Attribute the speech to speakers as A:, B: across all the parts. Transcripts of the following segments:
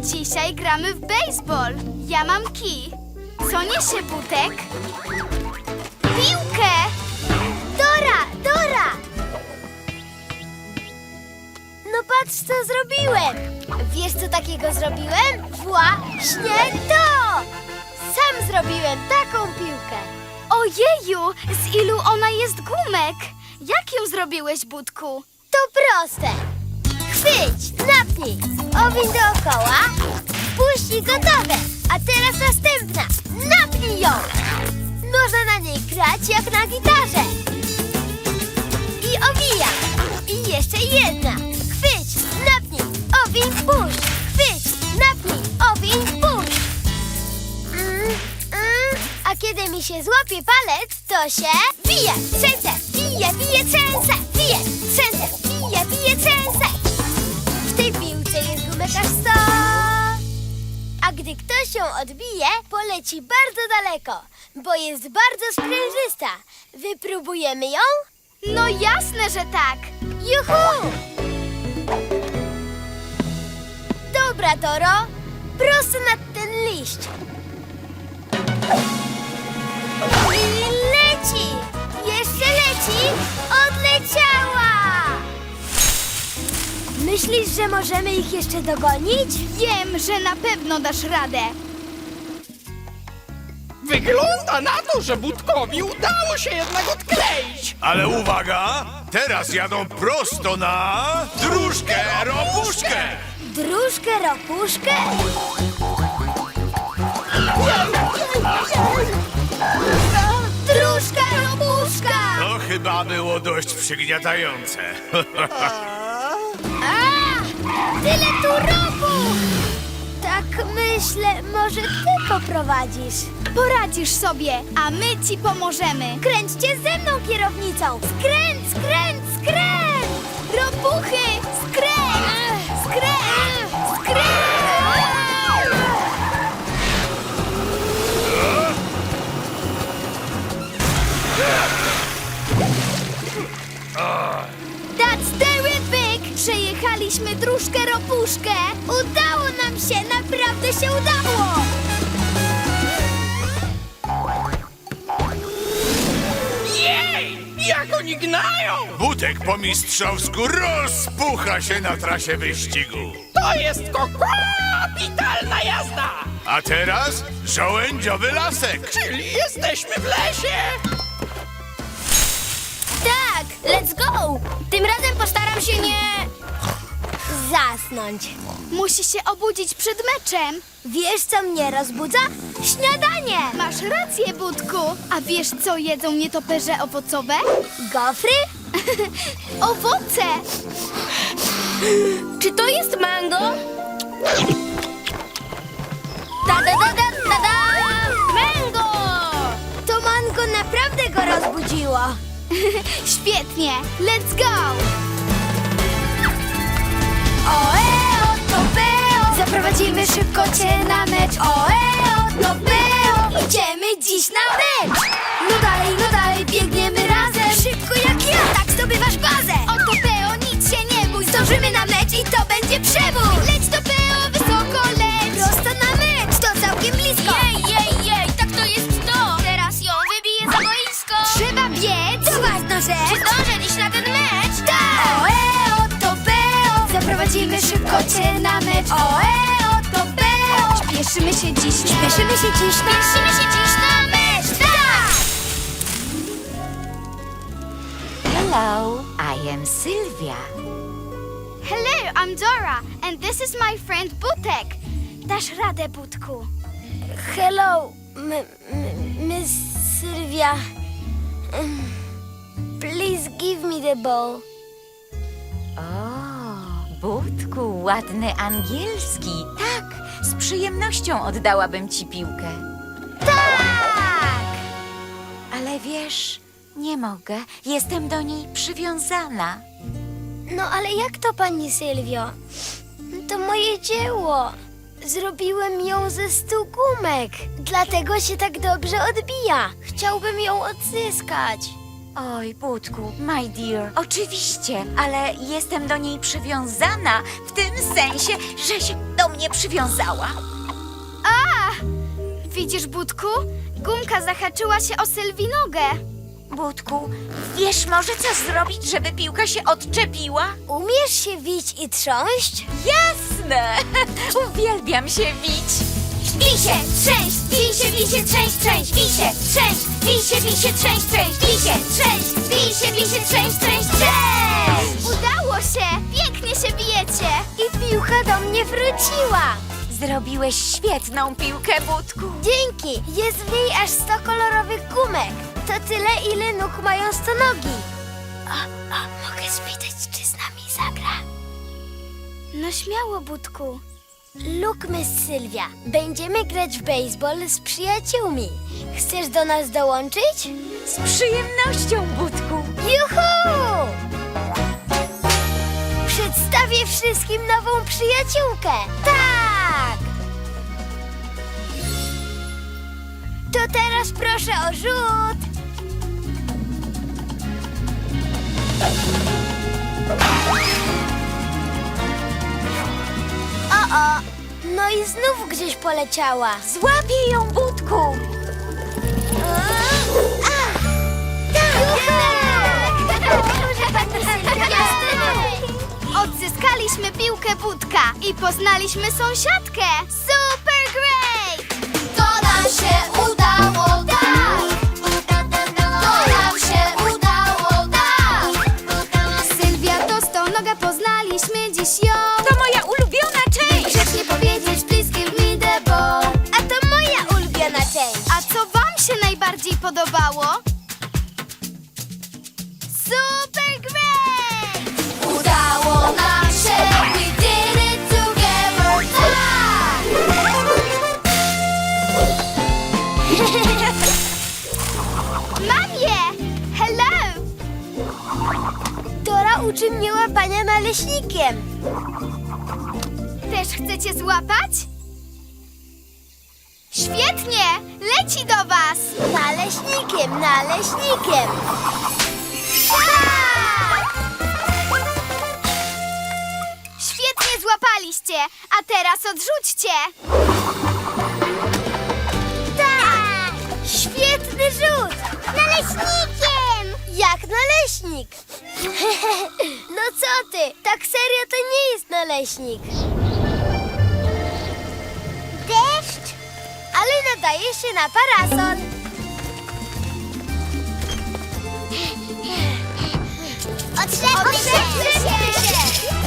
A: Dzisiaj gramy w baseball. Ja mam kij. Co niesie Butek? Piłkę!
B: Dora! No patrz, co zrobiłem! Wiesz, co takiego zrobiłem? Właśnie to! Sam zrobiłem taką piłkę.
A: Ojeju, z ilu ona jest gumek? Jak ją zrobiłeś, Budku?
B: To proste. Chwyć, napnij, owiń dookoła, puść i gotowe. A teraz następna. Napnij ją. Można na niej grać jak na gitarze. I owijam. I jeszcze jedna. Chwyć, napnij, owiń, puść. Chwyć, napnij, owiń, puść. A kiedy mi się złapie palec, to się bije, trzęsę, bije, trzęsę, bije, trzęsę, bije, trzęsę. W tej piłce jest gumek aż 100. A gdy ktoś ją odbije, poleci bardzo daleko, bo jest bardzo sprężysta. Wypróbujemy ją?
A: No jasne, że tak.
B: Juhu! Dobra, Toro, prosto nad ten liść. I leci! Jeszcze leci! Odleciała! Myślisz, że możemy ich jeszcze dogonić?
A: Wiem, że na pewno dasz radę.
C: Wygląda na to, że Budkowi udało się jednak odkleić.
D: Ale uwaga! Teraz jadą prosto na dróżkę ropuszkę!
B: Dróżkę, ropuszkę? Dróżka, ropuszka!
D: To chyba było dość przygniatające.
B: Tyle tu ropu! Tak myślę, może ty poprowadzisz.
A: Poradzisz sobie, a my ci pomożemy.
B: Kręćcie ze mną kierownicą! Skręć, skręć, skręć!
A: Ropuchy! Skręć! Skręć! Skręć! That's terrific! Przejechaliśmy dróżkę ropuszkę.
B: Udało nam się! Naprawdę się udało!
C: Jej! Jak oni gnają!
D: Butek po mistrzowsku rozpucha się na trasie wyścigu.
C: To jest kapitalna jazda!
D: A teraz żołędziowy lasek.
C: Czyli jesteśmy w lesie!
B: Tak! Let's go! Tym razem postaram się nie... zasnąć.
A: Musi się obudzić przed meczem.
B: Wiesz, co mnie rozbudza? Śniadanie!
A: Masz rację, Budku. A wiesz, co jedzą nietoperze owocowe?
B: Gofry?
A: Owoce!
B: Czy to jest mango? Ta-da-da-da-da-da! Mango! To mango naprawdę go rozbudziło.
A: Świetnie! Let's go!
B: Oeo, to beo! Zaprowadzimy szybko cię na mecz. Oeo, to beo! Idziemy dziś na mecz! No dalej, biegniemy razem. Szybko jak ja, tak zdobywasz bazę.
A: Oto Peo, nic się nie bój.
B: Zdążymy na mecz i to będzie przebój.
A: Leć to Peo, wysoko leć!
B: Prosto na mecz, to całkiem blisko. Jej, tak to jest to. Teraz ją wybiję za boisko.
A: Trzeba biec!
B: To ważna rzecz.
A: Czy zdążę dziś na ten mecz?
B: Tak! Oeo, to beo! Zaprowadzimy szybko cię na mecz. Oeo, to beo!
A: Śpieszymy się dziś.
B: Śpieszymy się dziś na mecz. Tak!
E: Hello, I am Sylvia.
A: Hello, I'm Dora, and this is my friend Butek. Dasz radę, Budku.
B: Hello, Miss Sylvia. Please give me the ball.
E: O, Budku, ładny angielski. Tak, z przyjemnością oddałabym ci piłkę.
B: Tak!
E: Ale wiesz, nie mogę. Jestem do niej przywiązana.
B: No ale jak to, pani Sylwio? To moje dzieło. Zrobiłem ją ze 100 gumek. Dlatego się tak dobrze odbija. Chciałbym ją odzyskać.
E: Oj, Budku, my dear, oczywiście, ale jestem do niej przywiązana w tym sensie, że się do do mnie przywiązała.
A: A! Widzisz, Budku? Gumka zahaczyła się o Sylwii nogę.
E: Budku, wiesz może co zrobić, żeby piłka się odczepiła?
B: Umiesz się wić i trząść?
E: Jasne! Uwielbiam się wić.
B: Bij się, trzęść, bij się, trzęść, trzęść, bij się, trzęść, bij się, trzęść, trzęść, bij się, trzęść, bij się, trzęść, trzęść, trzęść!
A: Udało się! Pięknie się bijecie!
B: I piłka do mnie wróciła.
E: Zrobiłeś świetną piłkę, Budku.
B: Dzięki, jest w niej aż 100 kolorowych gumek. To tyle, ile nóg mają stonogi. Mogę spytać, czy z nami zagra?
A: No śmiało, Budku.
B: Lukmy, Sylwia. Będziemy grać w baseball z przyjaciółmi. Chcesz do nas dołączyć?
E: Z przyjemnością, Budku.
B: Juhu! Przedstawię wszystkim nową przyjaciółkę. Tak! To teraz proszę o rzut. O, no i znów gdzieś poleciała.
E: Złapię ją, Budku.
A: Odzyskaliśmy piłkę Budka i poznaliśmy sąsiadkę. Super great!
B: To nam się udało, tak! To nam się udało, tak!
A: Sylwia to stonoga, poznaliśmy dziś ją.
E: To moja ulubiona część.
A: Grzecznie powiedzieć bliskim w me the ball.
B: A to moja ulubiona część.
A: A co wam się najbardziej podobało? Super great!
B: Udało nam się, we did it together, tak!
A: Mam je! Hello!
B: Dora uczy mnie łapania naleśnikiem.
A: Też chcecie złapać? Świetnie! Leci do was!
B: Naleśnikiem, naleśnikiem.
A: Tak! Świetnie złapaliście, a teraz odrzućcie!
B: Tak! Świetny rzut! Naleśnikiem! Jak naleśnik. No co ty? Tak serio to nie jest naleśnik. Deszcz? Ale nadaje się na parasol. Otrzepmy się!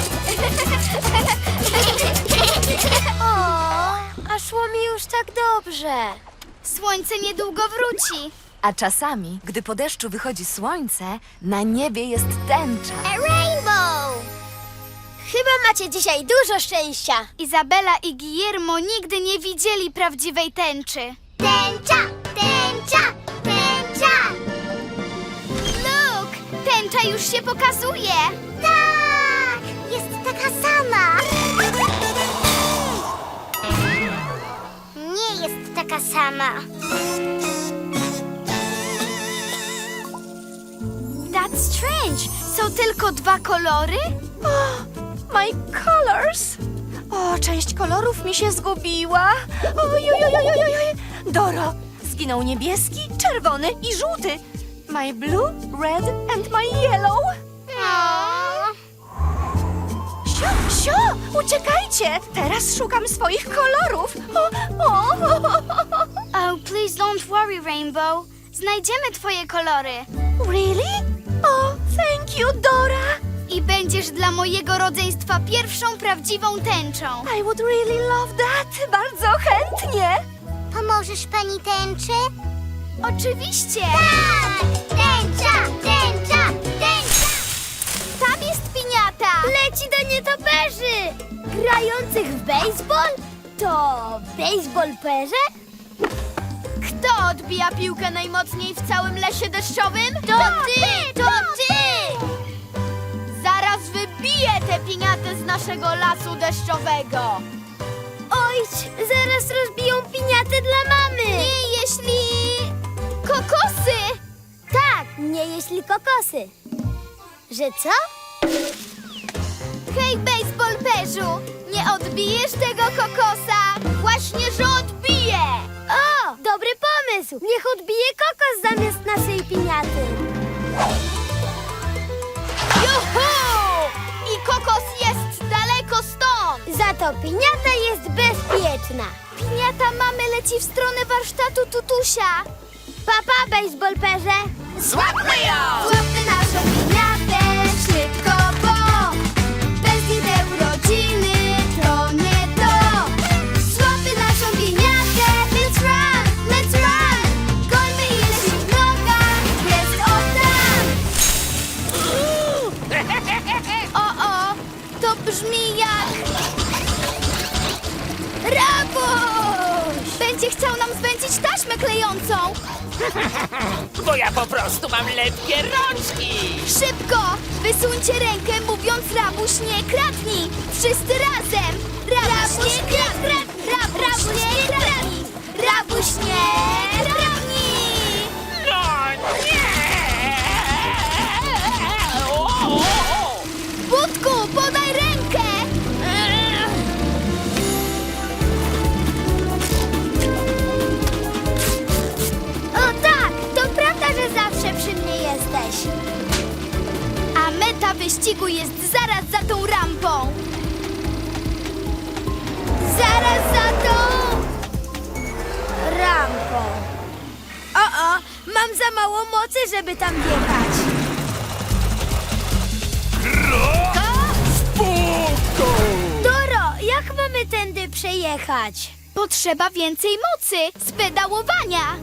B: O, a szło mi już tak dobrze.
A: Słońce niedługo wróci.
F: A czasami, gdy po deszczu wychodzi słońce, na niebie jest tęcza.
B: A rainbow! Chyba macie dzisiaj dużo szczęścia.
A: Izabela i Guillermo nigdy nie widzieli prawdziwej tęczy.
B: Tęcza, tęcza, tęcza!
A: Look! Tęcza już się pokazuje!
B: Tak! Jest taka sama. Nie jest taka sama.
A: That's strange! Są tylko dwa kolory?
F: My colors! O, część kolorów mi się zgubiła. Ojojojojojoj. Doro, zginął niebieski, czerwony i żółty. My blue, red and my yellow. Sio, uciekajcie! Teraz szukam swoich kolorów.
A: Oh, please don't worry, Rainbow. Znajdziemy twoje kolory.
F: Really? Oh, thank you, Dora.
A: I będziesz dla mojego rodzeństwa pierwszą prawdziwą tęczą.
F: I would really love that. Bardzo chętnie.
B: Pomożesz pani tęczy?
A: Oczywiście!
B: Tak! Tęcza, tęcza, tęcza!
A: Tam jest piniata!
B: Leci do nietoperzy! Grających w baseball? To baseballperze?
A: Kto odbija piłkę najmocniej w całym lesie deszczowym?
B: To ty! To ty!
A: Zaraz wybiję tę piniatę z naszego lasu deszczowego.
B: Ojcz, zaraz rozbiją piniatę dla mamy!
A: Nie jeśli... kokosy!
B: Tak, nie jeśli kokosy. Że co?
A: Hej, baseball perzu! Nie odbijaj odbijesz tego kokosa? Właśnie, że odbiję!
B: O, dobry pomysł! Niech odbije kokos zamiast naszej piniaty.
A: Juhu! I kokos jest daleko stąd!
B: Za to piniata jest bezpieczna.
A: Piniata mamy leci w stronę warsztatu tutusia.
B: Papa, baseballperze.
C: Złapmy ją!
A: Złapmy naszą piniatę szybko, bo bez niej te urodziny to nie to. Złapmy naszą piniatę, let's run, let's run. Gońmy ile się w nogach jest od tam. O, to brzmi jak... Rabuś! Będzie chciał nam zwędzić taśmę klejącą.
C: Bo ja po prostu mam lepkie rączki!
A: Szybko! Wysuńcie rękę, mówiąc Rabuś nie kradnij! Wszyscy razem! Rabuś nie kradnij! Rabuś nie kradnij! Rabuś nie kradnij!
C: No nie! O!
A: Budku, podaj rękę!
B: O tak, to prawda, że zawsze przy mnie jesteś.
A: A meta wyścigu jest zaraz za tą rampą! Zaraz za tą...
B: Rampą. O, mam za mało mocy, żeby tam wjechać. Doro, jak mamy tędy przejechać?
A: Potrzeba więcej mocy z pedałowania!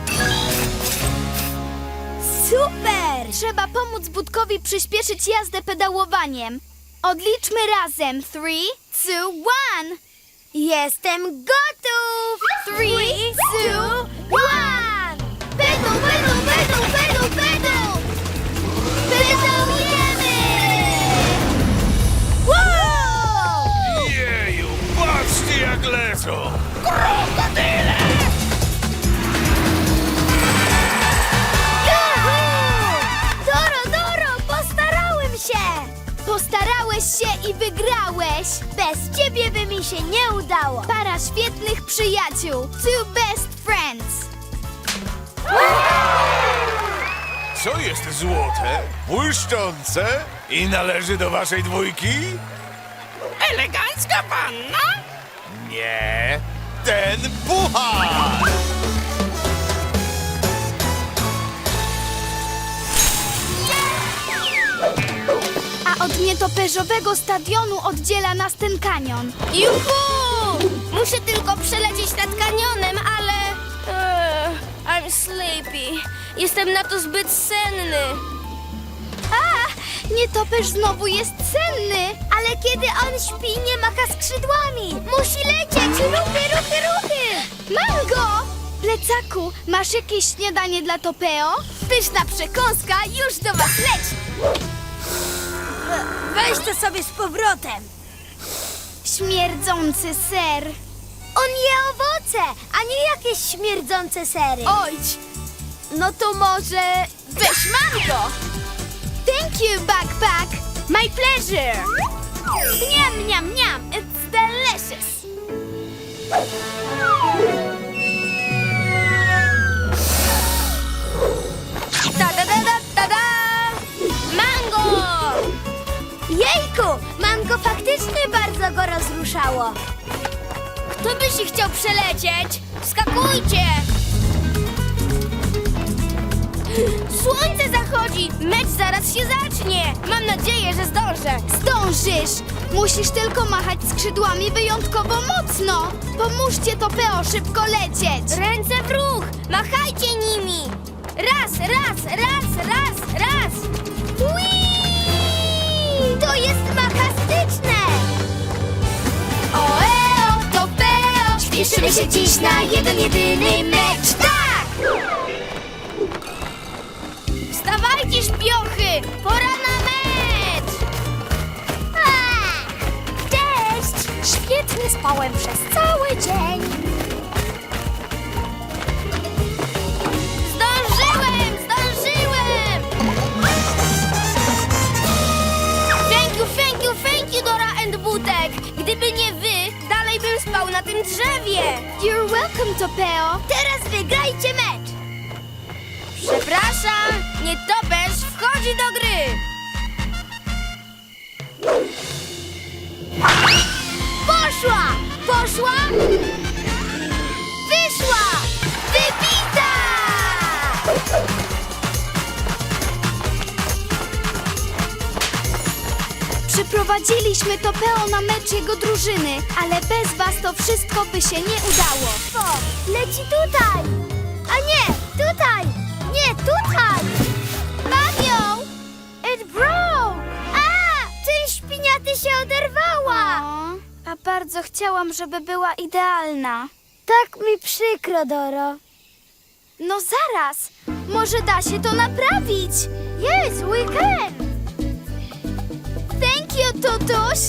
B: Super!
A: Trzeba pomóc Budkowi przyspieszyć jazdę pedałowaniem. Odliczmy razem. 3, 2, 1.
B: Jestem gotów!
A: 3, 2, 1. Pedał, pedał, pedał, pedał, pedał! Pedałujemy! Wow!
D: Jeju, patrzcie jak lecą!
B: Doro, postarałem się!
A: Postarałeś się i wygrałeś!
B: Bez ciebie by mi się nie udało.
A: Para świetnych przyjaciół. Two best friends.
D: Co jest złote, błyszczące i należy do waszej dwójki?
C: Elegancka panna?
D: Nie, ten puchar!
A: A od nietoperzowego stadionu oddziela nas ten kanion.
B: Juhu! Muszę tylko przelecieć nad kanionem, ale... I'm sleepy. Jestem na to zbyt senny.
A: A, nietoperz znowu jest senny.
B: Ale kiedy on śpi, nie macha skrzydłami. Musi lecieć. Ruchy, ruchy, ruchy.
A: Mam go! Plecaku, masz jakieś śniadanie dla Topeo? Pyszna przekąska już do was leci.
B: Weź to sobie z powrotem.
A: Śmierdzący ser.
B: On je owoce, a nie jakieś śmierdzące sery.
A: Ojdź! No to może weź mango! Thank you, backpack! My pleasure! Niam, niam, niam! It's delicious!
B: Ta-da-da-da-da-da! Mango! Jejku, mango faktycznie bardzo go rozruszało. Kto by się chciał przelecieć? Skakujcie! Słońce zachodzi! Mecz zaraz się zacznie! Mam nadzieję, że zdążę.
A: Zdążysz! Musisz tylko machać skrzydłami wyjątkowo mocno! Pomóżcie Topeo szybko lecieć!
B: Ręce w ruch! Machajcie nimi! Raz, raz, raz, raz, raz! Whee! To jest makastyczne!
A: Oeo, Topeo! Śpieszymy się dziś na jeden, jedyny mecz! Tak!
B: Wstawajcie, śpiochy! Pora na mecz! Cześć! Świetnie spałem przez cały dzień. Zdążyłem! Zdążyłem! Thank you, Dora and Butek! Gdyby nie wy, spał na tym drzewie. You're welcome, Topeo. Teraz wygrajcie mecz. Przepraszam, nietoperz wchodzi do gry. Poszła! Poszła! Wyszła! Wybita!
A: Przyprowadziliśmy Topeo na mecz jego drużyny, ale bez was to wszystko by się nie udało.
B: O, leci tutaj! A nie, tutaj! Nie, tutaj! Mam ją! It broke! A! Część piniaty się oderwała!
A: A bardzo chciałam, żeby była idealna.
B: Tak mi przykro, Doro.
A: No zaraz, może da się to naprawić.
B: Yes, we can!
A: Thank you, Tutuś.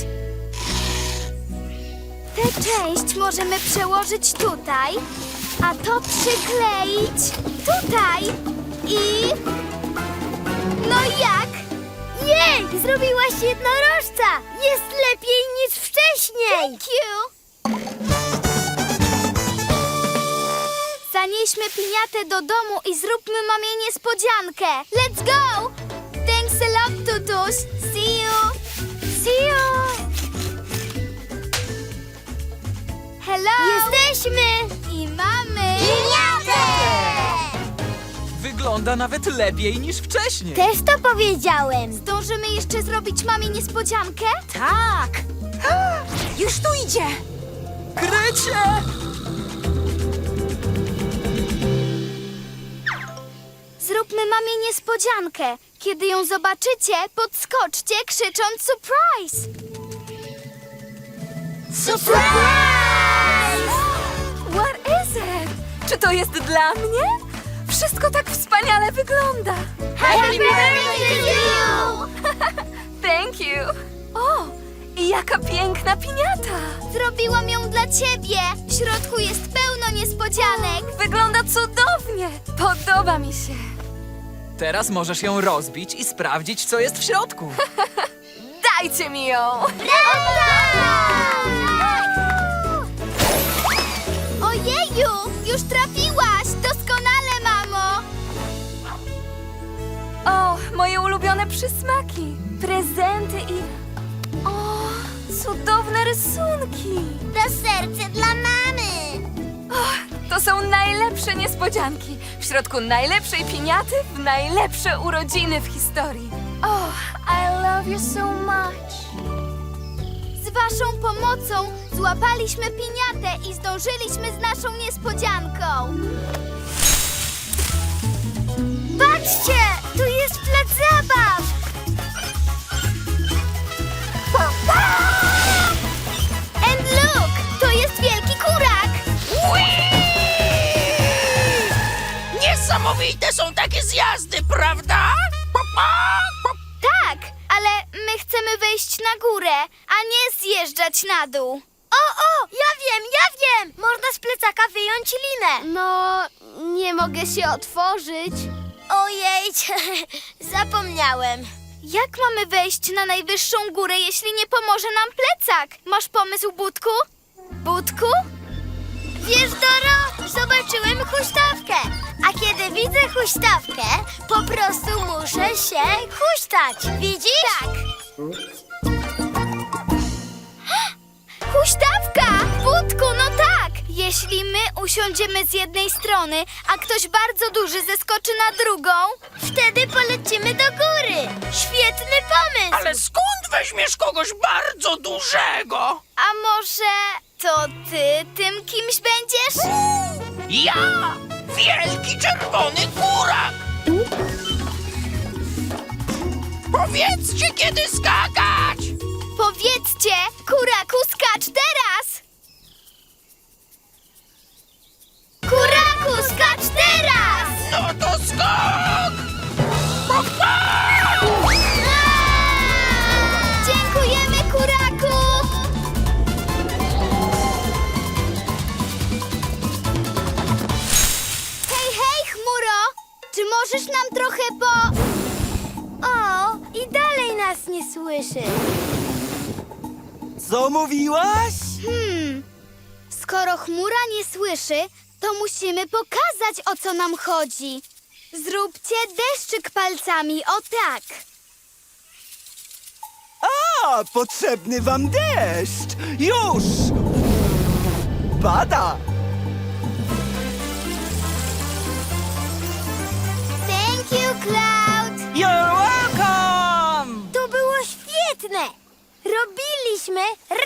A: Tę część możemy przełożyć tutaj, a to przykleić tutaj i... No jak?
B: Jej! Zrobiłaś jednorożca! Jest lepiej niż wcześniej!
A: Thank you. Zanieśmy piniatę do domu i zróbmy mamie niespodziankę. Let's go! Thanks a lot, Tutuś. See you.
B: See you!
A: Hello.
B: Jesteśmy!
A: I mamy...
B: Piniatę!
C: Wygląda nawet lepiej niż wcześniej.
B: Też to powiedziałem.
A: Zdążymy jeszcze zrobić mamie niespodziankę?
E: Tak! Już tu idzie!
C: Krycie!
A: Zróbmy mamie niespodziankę. Kiedy ją zobaczycie, podskoczcie krzycząc surprise!
B: Surprise!
F: What is it? Czy to jest dla mnie? Wszystko tak wspaniale wygląda.
B: Happy birthday to you!
F: Thank you. O, i jaka piękna piniata.
A: Zrobiłam ją dla ciebie. W środku jest pełno niespodzianek.
F: Wygląda cudownie. Podoba mi się.
C: Teraz możesz ją rozbić i sprawdzić, co jest w środku.
F: Dajcie mi ją.
A: Ojeju, już trafiłaś. Doskonale, mamo.
F: O, moje ulubione przysmaki. Prezenty i... O, cudowne rysunki.
B: To serce dla mamy!
F: To są najlepsze niespodzianki. W środku najlepszej piniaty w najlepsze urodziny w historii. Oh, I love you so much.
A: Z waszą pomocą złapaliśmy piniatę i zdążyliśmy z naszą niespodzianką.
B: Patrzcie! Tu jest plac zabaw!
A: And look, to jest wielki kurak.
C: Niesamowite są takie zjazdy, prawda?
A: Tak, ale my chcemy wejść na górę, a nie zjeżdżać na dół.
B: O, ja wiem! Można z plecaka wyjąć linę.
A: No, nie mogę się otworzyć.
B: Ojej, zapomniałem.
A: Jak mamy wejść na najwyższą górę, jeśli nie pomoże nam plecak? Masz pomysł, Budku? Budku?
B: Wiesz, Doro, zobaczyłem huśtawkę. A kiedy widzę huśtawkę, po prostu muszę się huśtać. Widzisz?
A: Tak. Huśtawka! Budku, no tak! Jeśli my usiądziemy z jednej strony, a ktoś bardzo duży zeskoczy na drugą,
B: Wtedy polecimy do góry. Świetny pomysł.
C: Ale skąd weźmiesz kogoś bardzo dużego?
A: a może to ty tym kimś będziesz?
C: Ja! Wielki czerwony kurak! Powiedzcie, kiedy skakać!
A: Powiedzcie, kuraku, skacz teraz!
B: Kuraku, skacz teraz!
C: No to skok!
A: Dziękujemy, kuraku! Hej, hej, chmuro! Czy możesz nam trochę
B: O, i dalej nas nie słyszy.
G: Co mówiłaś?
A: Skoro chmura nie słyszy, to musimy pokazać, o co nam chodzi. Zróbcie deszczyk palcami, o tak.
G: A, potrzebny wam deszcz! Już! Pada!
A: Thank you, Cloud.
G: You're welcome!
B: To było świetne! Robiliśmy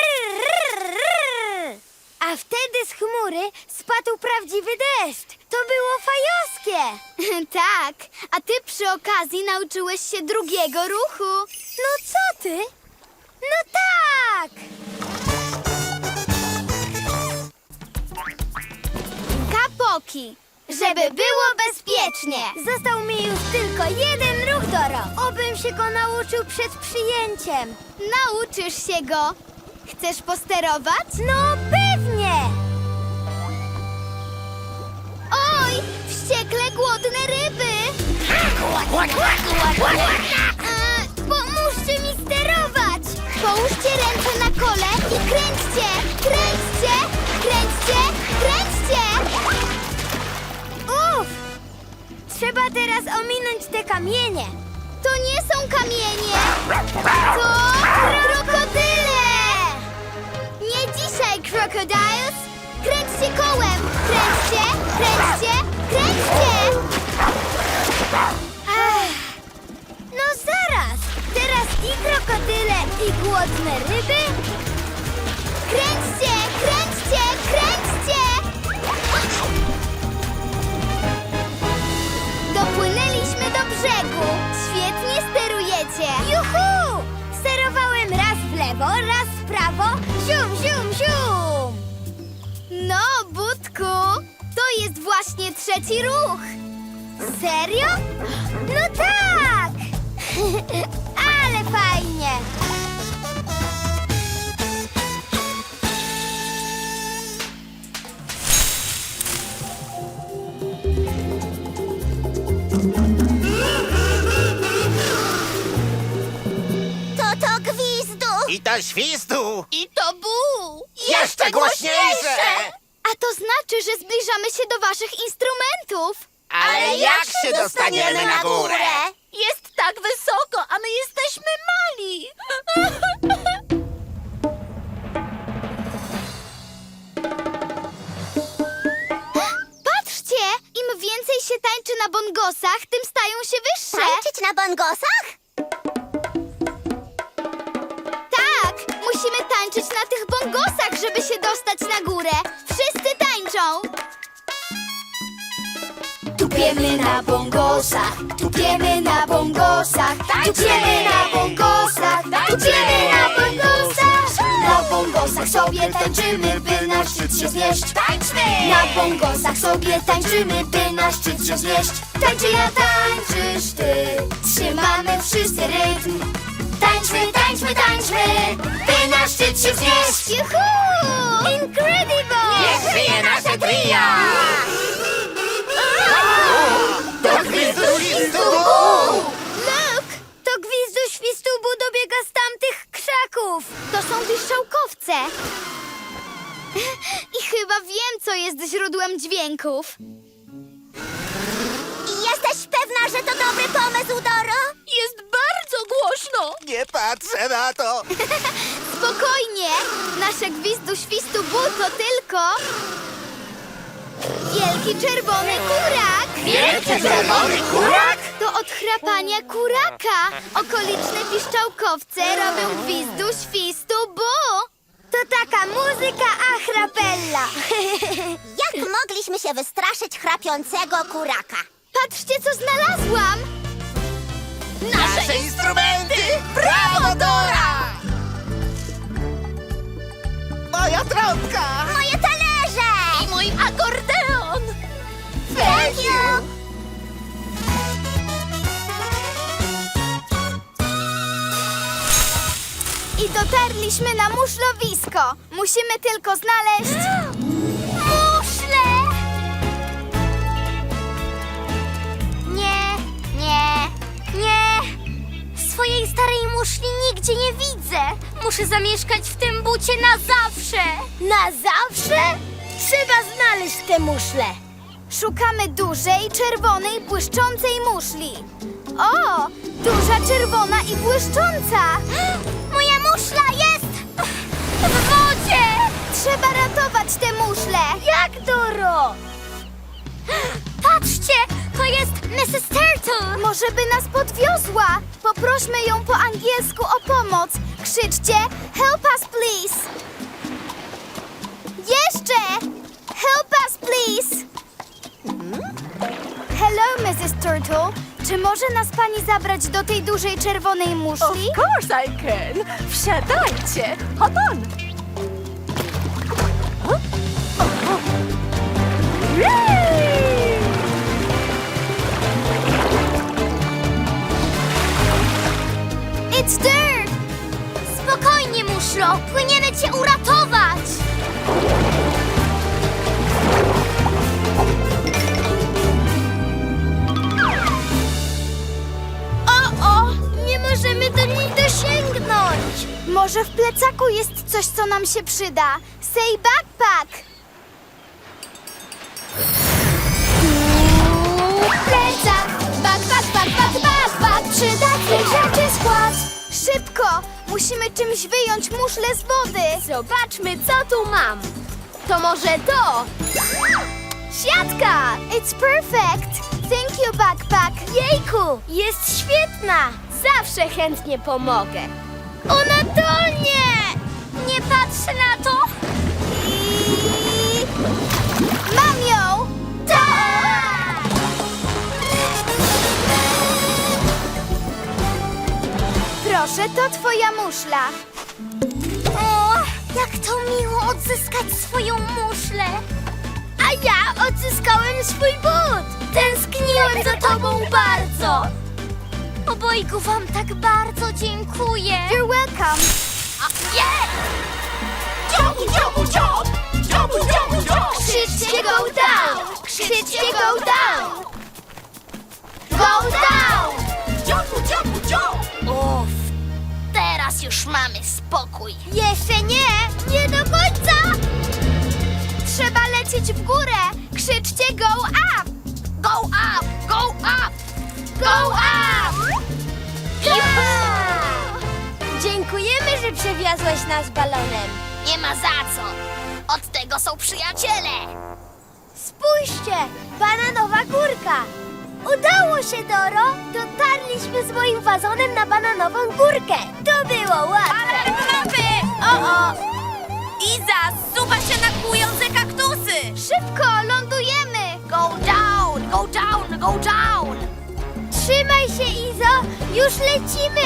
B: rrr, a wtedy z chmury spadł prawdziwy deszcz. To było fajowskie!
A: Tak, a ty przy okazji nauczyłeś się drugiego ruchu.
B: No co ty? No tak!
A: Kapoki, żeby było bezpiecznie.
B: Został mi już tylko jeden ruch, Doro. Obym się go nauczył przed przyjęciem.
A: Nauczysz się go. Chcesz posterować?
B: No pewnie!
A: Oj, wściekle głodne ryby. Pomóżcie mi sterować. Połóżcie ręce na kole i kręćcie, kręćcie, kręćcie, kręćcie.
B: Uff! Trzeba teraz ominąć te kamienie.
A: To nie są kamienie. To krokodyle. Nie dzisiaj, crocodiles. Kręćcie kołem. Kręćcie, kręćcie, kręćcie.
B: No zaraz! Teraz i krokodyle, i głodne ryby.
A: Kręćcie, kręćcie, kręćcie. Dopłynęliśmy do brzegu. Świetnie sterujecie.
B: Juhu! Sterowałem raz w lewo, raz w prawo. Zium, zium, zium!
A: No, Budku, to jest właśnie trzeci ruch.
B: Serio? No tak! Ale fajnie! To gwizdu!
H: I to świstu!
A: I to bu.
H: Jeszcze głośniejsze!
A: A to znaczy, że zbliżamy się do waszych instrumentów.
H: Ale jak się dostaniemy na górę?
F: Jest tak wysoko, a my jesteśmy mali.
A: Patrzcie, im więcej się tańczy na bongosach, tym stają się wyższe.
B: Tańczyć na bongosach?
A: Tak, musimy tańczyć na tych bongosach, żeby się dostać na górę. Wszyscy tańczą. Tupiemy na bongosach, tupiemy na bongosach, tupiemy na bongosach, tupiemy na bongosach. Na bongosach sobie tańczymy, by na szczyt się znieść. Tańczmy! Na bongosach sobie tańczymy, by na szczyt się znieść. Tańczy ja, tańczysz ty, trzymamy wszyscy rytm. Tańczmy, tańczmy, tańczmy, by na szczyt się wznieść. Juhu! Incredible!
H: Niech żyje nasze trio! To gwizdu świstu!
A: Look!
B: To gwizdu świstubu dobiega z tamtych krzaków.
A: To są piszczałkowce. I chyba wiem, co jest źródłem dźwięków.
B: Jesteś pewna, że to dobry pomysł, Doro?
F: Jest bardzo głośno.
H: Nie patrzę na to!
A: Spokojnie! Nasze gwizdu świstu bu to tylko... Wielki czerwony kurak!
H: Wielki czerwony kurak?
A: To od chrapania kuraka. Okoliczne piszczałkowce robią gwizdu świstu bu.
B: To taka muzyka a chrapella. Jak mogliśmy się wystraszyć chrapiącego kuraka?
A: Patrzcie, co znalazłam!
H: Nasze instrumenty! Brawo, Dora! Moja trąbka!
B: Moje talerze!
F: I mój akordeon.
B: Thank you!
A: I dotarliśmy na muszlowisko. Musimy tylko znaleźć...
B: Muszle! Nie, nie, nie! Swojej starej muszli nigdzie nie widzę. Muszę zamieszkać w tym bucie na zawsze. Na zawsze? Trzeba znaleźć te muszle.
A: Szukamy dużej, czerwonej, błyszczącej muszli. O, duża, czerwona i błyszcząca.
B: Moja muszla jest w wodzie!
A: Trzeba ratować te muszle.
B: Jak, Doro? Patrzcie, to jest Mrs. Turtle.
A: Może by nas podwiozła. Poprośmy ją po angielsku o pomoc. Krzyczcie help us please. Jeszcze! Help us please. Hello, Mrs. Turtle. Czy może nas pani zabrać do tej dużej czerwonej muszli?
F: Of course I can. Wsiadajcie. Hop on. Yay!
A: It's there!
B: Spokojnie, muszlo. Płyniemy cię uratować. O, nie możemy do niej dosięgnąć.
A: Może w plecaku jest coś, co nam się przyda. Say backpack! Plecak! Backpack! Przydatnych rzeczy skład! Szybko! Musimy czymś wyjąć muszlę z wody!
B: Zobaczmy, co tu mam. To może to?
A: Siatka! It's perfect! Thank you, backpack!
B: Jejku, jest świetna. Zawsze chętnie pomogę. Ona tonie! Nie patrzę na to.
A: I... Mam ją!
B: Tak!
A: Proszę, to twoja muszla.
B: O, jak to miło odzyskać swoją muszlę. A ja odzyskałem swój but. Tęskniłem za tobą bardzo. Obojgu wam tak bardzo dziękuję.
A: You're welcome.
B: Krzyczcie go down! Krzyczcie go down! Go down! Uff, teraz już mamy spokój. Jeszcze nie, nie do końca.
A: Trzeba lecieć w górę. Krzyczcie go up!
B: Go up, go up, go up! Dziękujemy, że przewiozłeś nas balonem. Nie ma za co. Od tego są przyjaciele. Spójrzcie, bananowa górka. Udało się, Doro. Dotarliśmy z moim wazonem na bananową górkę. To było łatwe.
F: Bananowy!
B: O!
F: Iza, zsuwa się na kłujące kaktusy.
A: Szybko, lądujemy!
B: Go down, go down, go down. Trzymaj się, Izo. Już lecimy.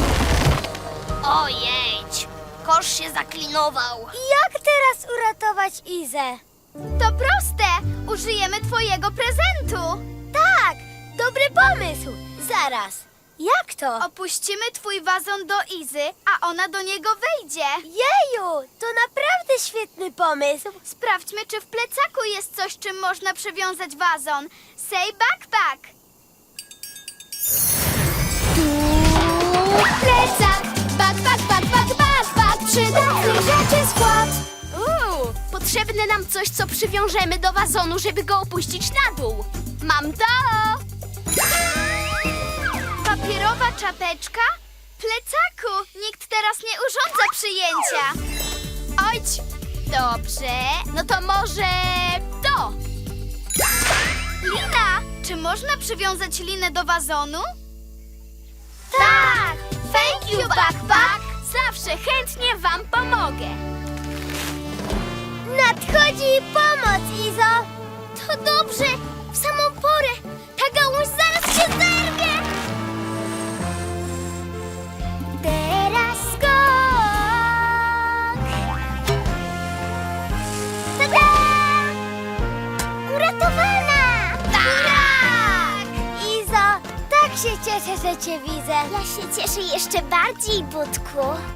B: Ojejdź, kosz się zaklinował. Jak teraz uratować Izę?
A: To proste! Użyjemy twojego prezentu!
B: Tak, dobry pomysł. Zaraz, jak to?
A: Opuścimy twój wazon do Izy, a ona do niego wejdzie.
B: Jeju, to naprawdę świetny pomysł.
A: Sprawdźmy, czy w plecaku jest coś, czym można przywiązać wazon. Say backpack! Plecak! Backpack! Przydatnych rzeczy skład!
B: Potrzebne nam coś, co przywiążemy do wazonu, żeby go opuścić na dół. Mam to!
A: Papierowa czapeczka? Plecaku! Nikt teraz nie urządza przyjęcia. Ojć!
B: Dobrze, no to może to.
A: Lina! Czy można przywiązać linę do wazonu?
B: Tak! Thank you, backpack! Zawsze chętnie wam pomogę. Nadchodzi pomoc, Izo! To dobrze, w samą porę. Ta gałąź zaraz się zerwie. Teraz skok! Tada! Uratowana! Tak! Izo, tak się cieszę, że cię widzę. Ja się cieszę jeszcze bardziej, Budku.